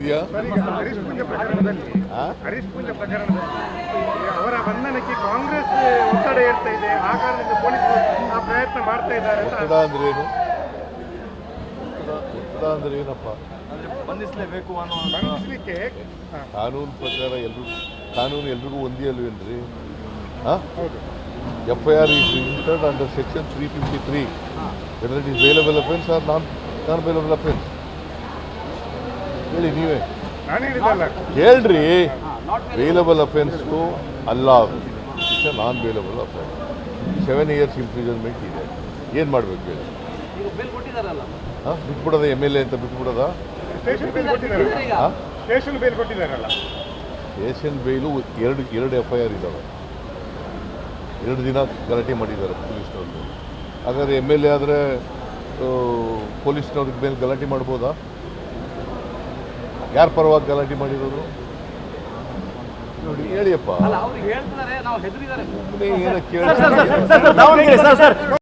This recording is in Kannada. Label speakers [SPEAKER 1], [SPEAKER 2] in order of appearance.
[SPEAKER 1] ಇದೆಯಾ?
[SPEAKER 2] ಹರೀಶ್ ಪೂಜೆ ಪ್ರಕರಣದಲ್ಲಿ ಅವರ ಬಂಧನಕ್ಕೆ ಕಾಂಗ್ರೆಸ್ ಒತ್ತಡ ಏರ್ತಾ ಇದೆ, ಆ ಕಾರಣದಿಂದ ಪೊಲೀಸರು ಆ ಪ್ರಯತ್ನ ಮಾಡ್ತಾ ಇದ್ದಾರೆ.
[SPEAKER 1] ಒತ್ತಡ ಅಂದ್ರೆ ಏನು? ಒತ್ತಡ ಅಂದ್ರೆ ಏನಪ್ಪ?
[SPEAKER 3] ಬಂಧಿಸಲೇಬೇಕು
[SPEAKER 2] ಬಂಧಿಸಲಿಕ್ಕೆ
[SPEAKER 1] ಕಾನೂನು ಪ್ರಕಾರ ಕಾನೂನು ಎಲ್ರಿಗೂ ಒಂದೇ ಅಲ್ವೇನ್ರಿ?
[SPEAKER 2] ಹೌದು.
[SPEAKER 1] FIR is registered under section 353, whether it is bailable offence or non-bailable offence. ಹೇಳಿ ನೀವೇ,
[SPEAKER 2] ನಾನು ಹೇಳಿದ್ದಲ್ಲ.
[SPEAKER 1] ಹೇಳ್ರಿ. ಬೇಲಬಲ್ ಅಫೆನ್ಸ್ಗೂ ಅಲ್ಲ, it's a non bailable offence. 7 years imprisonment ಇದೆ. ಏನು ಮಾಡಬೇಕು ಹೇಳಿ? ಬಿಟ್ಬಿಡೋದ MLA ಅಂತ ಬಿಟ್ಬಿಡೋದ?
[SPEAKER 2] ಸ್ಟೇಷನ್ ಬೇಲ್ ಕೊಟ್ಟಿದ್ದಾರಲ್ಲ. ಸ್ಟೇಷನ್ ಬೇಲ್ ಕೊಟ್ಟಿದ್ದಾರಲ್ಲ.
[SPEAKER 1] ಸ್ಟೇಷನ್ ಬೇಲು ಎರಡು FIR ಇದ್ದಾವೆ. 2 ದಿನ ಗಲಾಟೆ ಮಾಡಿದ್ದಾರೆ ಪೊಲೀಸ್ನವ್ರಿಗೆ. ಹಾಗಾದ್ರೆ MLA ಆದರೆ ಪೊಲೀಸ್ನವ್ರಿಗೆ ಮೇಲೆ ಗಲಾಟೆ ಮಾಡ್ಬೋದಾ? ಯಾರ ಪರವಾಗಿ ಗಲಾಟೆ ಮಾಡಿರೋದು ನೋಡಿ, ಹೇಳಿಯಪ್ಪ.
[SPEAKER 3] ಹೇಳ್ತಾರೆ, ನಾವು ಹೆದರಿದ್ದಾರೆ.
[SPEAKER 1] ಏನಕ್ಕೆ ಕೇಳಿ